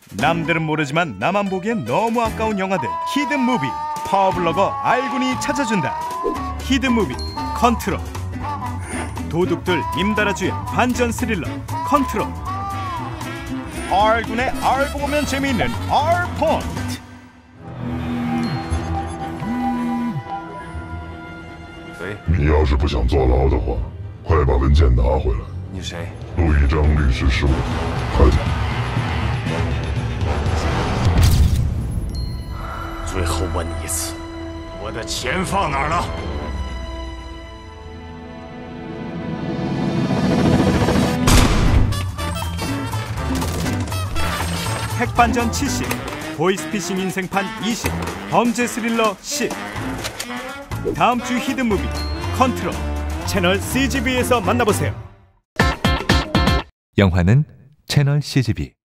남들은 모르지만 나만 보기엔 너무 아까운 영화들 히든 무비. 파워블로거 알군이 찾아준다. 히든 무비 컨트롤. 도둑들 임달아 주연 반전 스릴러 컨트롤. 알군의 알고 보면 재미있는 알포인트. 你要是不想坐牢的话，快把文件拿回来。 你谁？ 陆一章律师事务，快点。 最后问你一次，我的钱放哪儿了？ 핵반전 70, 보이스피싱 인생판 20, 범죄 스릴러 10. 다음 주 히든 무비 컨트롤 채널 CGV에서 만나보세요. 영화는 채널 CGV.